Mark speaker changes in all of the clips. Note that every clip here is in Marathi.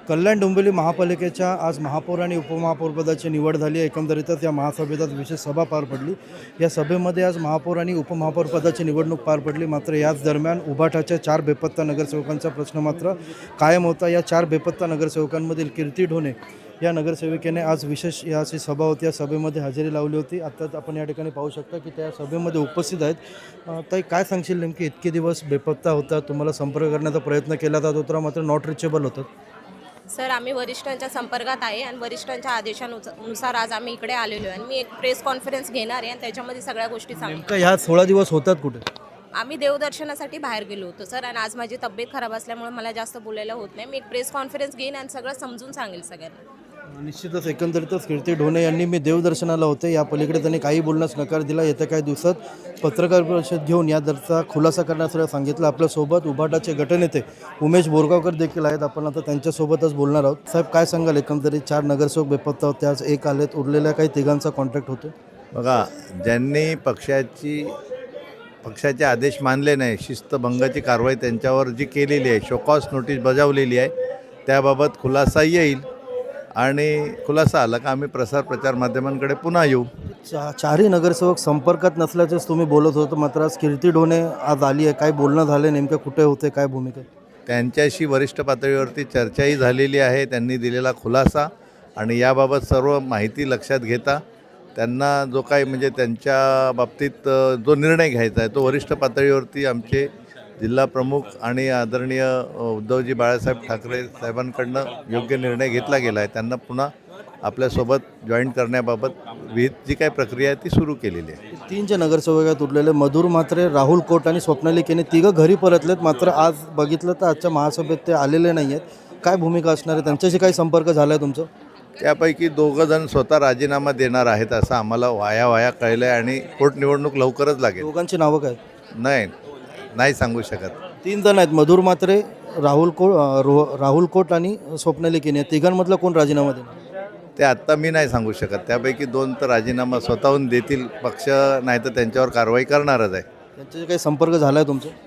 Speaker 1: कल्याण डोंबिवली महापालिकेच्या आज महापौर आणि उपमहापौरपदाची निवड झाली आहे। एकंदरीतच या महासभेत आज विशेष सभा पार पडली। या सभेमध्ये आज महापौर आणि उपमहापौरपदाची निवडणूक पार पडली। मात्र याच दरम्यान उभाटाच्या 4 बेपत्ता नगरसेवकांचा प्रश्न मात्र कायम होता। या 4 बेपत्ता नगरसेवकांमधील कीर्ती ढोणे या नगरसेविकेने आज विशेष याची सभा होती, या सभेमध्ये हजेरी लावली होती। आत्ताच आपण या ठिकाणी पाहू शकता की त्या सभेमध्ये उपस्थित आहेत। ताई, काय सांगशील, नेमकी इतके दिवस बेपत्ता होता, तुम्हाला संपर्क करण्याचा प्रयत्न केला जात होता मात्र नॉट रिचेबल होतं?
Speaker 2: सर, आम्ही वरिष्ठांच्या संपर्कात आहे आणि वरिष्ठांच्या आदेशानुसार आज आम्ही इकडे आलेलो आहे आणि मी एक प्रेस कॉन्फरन्स घेणार आहे आणि त्याच्यामध्ये सगळ्या गोष्टी सांगणार।
Speaker 1: नेमकं ह्या 16 दिवस होतात कुठे?
Speaker 2: आम्ही देवदर्शनासाठी बाहेर गेलो होतो सर, आणि आज माझी तब्येत खराब असल्यामुळे मला जास्त बोलायला होत नाही। मी एक प्रेस कॉन्फरन्स घेईन आणि सगळं समजून सांगेल सगळ्यांना।
Speaker 1: निश्चितच एकंदरीतच कीर्ती ढोणे यांनी मी देवदर्शनाला होते, या पलीकडे त्यांनी काही बोलण्यास नकार दिला। येत्या काही दिवसात पत्रकार परिषद घेऊन या दरचा खुलासा करण्याचं सांगितलं। आपल्यासोबत उभाटाचे गटनेते उमेश बोरगावकर देखील आहेत, आपण आता त्यांच्यासोबतच बोलणार आहोत। साहेब, काय सांगाल, एकंदरीत 4 नगरसेवक बेपत्ता होते, आज एक आलेत, उरलेल्या काही तिघांचा कॉन्ट्रॅक्ट होतो?
Speaker 3: बघा, ज्यांनी पक्षाचे आदेश मानले नाही, शिस्तभंगाची कारवाई त्यांच्यावर जी केलेली आहे, शोकॉस नोटीस बजावलेली आहे, त्याबाबत खुलासा येईल आणि खुलासा आला का आम्ही प्रचार माध्यमांकडे पुन्हा येऊ।
Speaker 1: 4ही नगरसेवक संपर्कात नसल्याचेच तुम्ही बोलत होतं, मात्र आज कीर्ती ढोणे आज आली आहे, काय बोलणं झालं, नेमकं कुठे होते, काय भूमिका?
Speaker 3: त्यांच्याशी वरिष्ठ पातळीवरती चर्चाही झालेली आहे, त्यांनी दिलेला खुलासा आणि याबाबत सर्व माहिती लक्षात घेता त्यांना जो काही म्हणजे त्यांच्या बाबतीत जो निर्णय घ्यायचा आहे तो वरिष्ठ पातळीवरती आमचे जिल्हा प्रमुख आणि आदरणीय उद्धवजी बाळासाहेब ठाकरे साहेबांकडनं योग्य निर्णय घेतला गेला आहे। त्यांना पुन्हा आपल्यासोबत जॉईन करण्याबाबत विहित जी काही प्रक्रिया आहे ती सुरू केलेली आहे।
Speaker 1: 3 जे नगरसेवक आहेत उरलेले, मधुर म्हात्रे, राहुल कोट आणि स्वप्नाली केने, तिघं घरी परतलेत, मात्र आज बघितलं तर आजच्या महासभेत ते आलेले नाही आहेत। काय भूमिका असणार आहे, त्यांच्याशी काही संपर्क झाला आहे तुमचं?
Speaker 3: त्यापैकी 2 जण स्वतः राजीनामा देणार आहेत असं आम्हाला वाया कळलं आहे आणि पोटनिवडणूक लवकरच लागेल।
Speaker 1: दोघांची नावं काय?
Speaker 3: नाही सांगू शकत।
Speaker 1: 3 जण आहेत, मधुर म्हात्रे, राहुल कोट आणि स्वप्नाली केने, तिघांमधला कोण राजीनामा देणार?
Speaker 3: ते आत्ता मी नाही सांगू शकत। त्यापैकी 2 तर राजीनामा स्वतःहून देतील पक्ष, नाही तर त्यांच्यावर कारवाई करणारच आहे।
Speaker 1: त्यांच्याशी काही संपर्क झाला आहे तुमचा?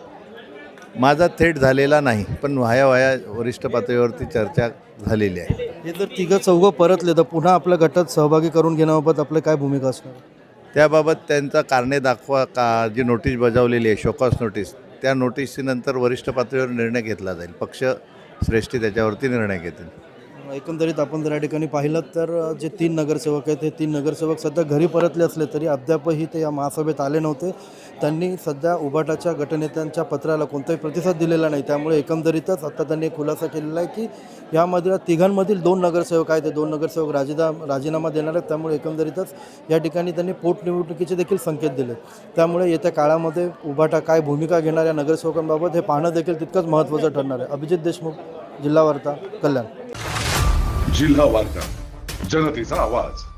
Speaker 3: माझा थेट झालेला नाही, पण वाया वरिष्ठ पातळीवरती चर्चा झालेली आहे।
Speaker 1: हे जर 3-4 परतले तर पुन्हा आपल्या गटात सहभागी करून घेण्याबाबत आपली काय भूमिका असणार?
Speaker 3: त्याबाबत त्यांचा कारणे दाखवा का जी नोटीस बजावलेली आहे, शोकॉस नोटीस, त्या नोटीसीनंतर वरिष्ठ पातळीवर निर्णय घेतला जाईल। पक्ष श्रेष्ठी त्याच्यावरती निर्णय घेतील।
Speaker 1: एकंदरीत आपण जर या ठिकाणी पाहिलं तर जे 3 नगरसेवक आहेत, हे 3 नगरसेवक सध्या घरी परतले असले तरी अद्यापही ते या महासभेत आले नव्हते। त्यांनी सध्या उभाटाच्या गटनेत्यांच्या पत्राला कोणताही प्रतिसाद दिलेला नाही। त्यामुळे एकंदरीतच आता त्यांनी खुलासा केलेला आहे की यामध्ये तिघांमधील 2 नगरसेवक आहेत, ते 2 नगरसेवक राजीनामा देणार आहेत। त्यामुळे एकंदरीतच या ठिकाणी त्यांनी पोटनिवडणुकीचे देखील संकेत दिले। त्यामुळे येत्या काळामध्ये उभाटा काय भूमिका घेणार या नगरसेवकांबाबत हे पाहणं देखील तितकंच महत्त्वाचं ठरणार आहे। अभिजित देशमुख, जिल्हा वार्ता, कल्याण।
Speaker 4: जिल्हा वार्ता, जनतेचा आवाज।